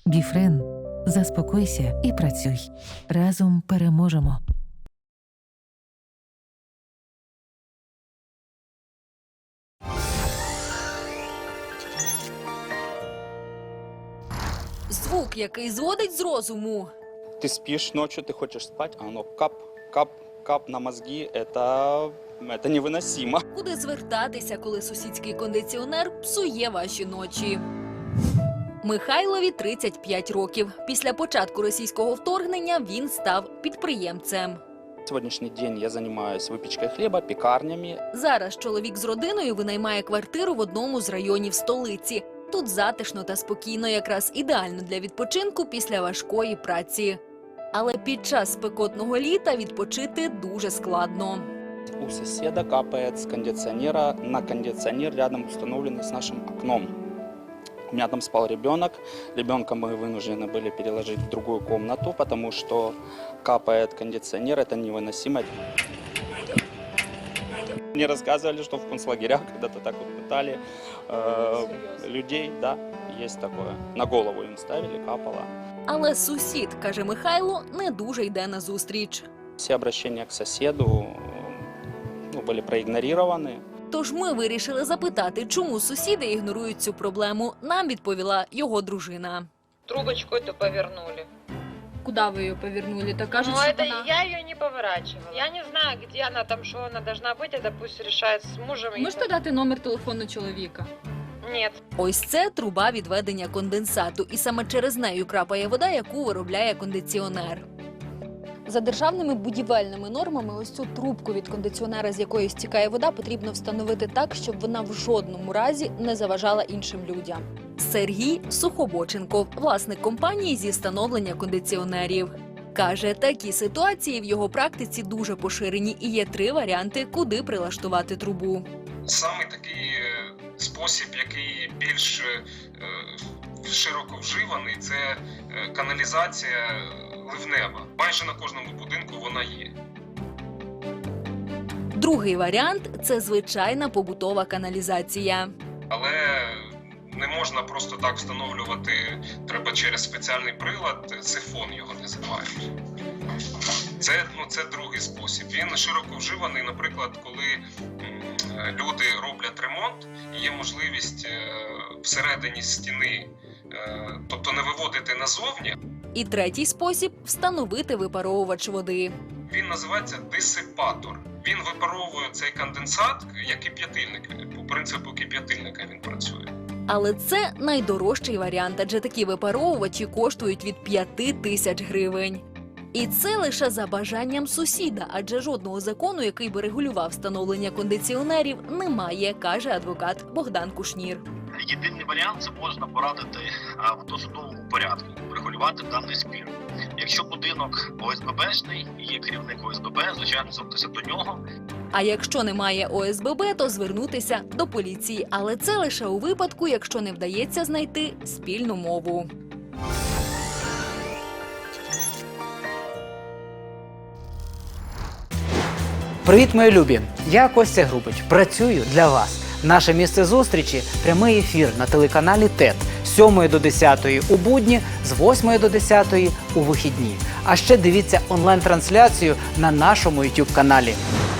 Біфрен. Заспокойся і працюй. Разом переможемо. Звук, який зводить з розуму. Ты спишь ночью, ты хочешь спать, а оно кап, кап, кап на мозги. Это невыносимо. Куди звертатися, коли сусідський кондиціонер псує ваші ночі? Михайлові 35 років. Після початку російського вторгнення він став підприємцем. На сегодняшний день я занимаюсь выпечкой хлеба, пекарнями. Зараз чоловік з родиною винаймає квартиру в одному з районів столиці. Тут затишно та спокійно, якраз ідеально для відпочинку після важкої праці. Але під час спекотного літа відпочити дуже складно. У соседа капает с кондиционера на кондиционер, рядом установленный с нашим окном. У меня там спал ребенок. Ребенка мы вынуждены были переложить в другую комнату, потому что капает кондиционер, это невыносимо. Мне рассказывали, что в концлагерях когда-то так вот пытали людей, да, есть такое. На голову им ставили, капало. Але сусід, каже Михайло, не дуже йде назустріч. Все обращения к соседу были проигнорированы. Тож ми вирішили запитати, чому сусіди ігнорують цю проблему. Нам відповіла його дружина. Трубочку эту повернули. Куда ви її повернули? Так кажуть, Ну, що это вона... я ее не поворачивала. Я не знаю, где она там, что она должна быть. Это пусть решает с мужем. Можете дати номер телефону чоловіка? Нет. Ось це труба відведення конденсату. І саме через нею крапає вода, яку виробляє кондиціонер. За державними будівельними нормами ось цю трубку від кондиціонера, з якої стікає вода, потрібно встановити так, щоб вона в жодному разі не заважала іншим людям. Сергій Сухобоченков, власник компанії зі встановлення кондиціонерів. Каже, такі ситуації в його практиці дуже поширені і є 3 варіанти, куди прилаштувати трубу. Саме такий спосіб, який більш широко вживаний, це каналізація ливнева. Майже на кожному будинку вона є. Другий варіант – це звичайна побутова каналізація. Але не можна просто так встановлювати, треба через спеціальний прилад, сифон його називають. Це другий спосіб. Він широко вживаний, наприклад, коли люди роблять ремонт, і є можливість всередині стіни, тобто не виводити назовні. І третій спосіб – встановити випаровувач води. Він називається дисипатор. Він випаровує цей конденсат, як кип'ятильник. По принципу кип'ятильника він працює. Але це найдорожчий варіант, адже такі випаровувачі коштують від 5 тисяч гривень. І це лише за бажанням сусіда, адже жодного закону, який би регулював встановлення кондиціонерів, немає, каже адвокат Богдан Кушнір. Єдиний варіант – це можна порадити в досудовому порядку, регулювати даний спір. Якщо будинок ОСББшний, є керівник ОСББ, звичайно, звернутися до нього. А якщо немає ОСББ, то звернутися до поліції. Але це лише у випадку, якщо не вдається знайти спільну мову. Привіт, мої любі! Я Костя Грубич. Працюю для вас. Наше місце зустрічі – прямий ефір на телеканалі ТЕТ з 7 до 10 у будні, з 8 до 10 у вихідні. А ще дивіться онлайн-трансляцію на нашому YouTube-каналі.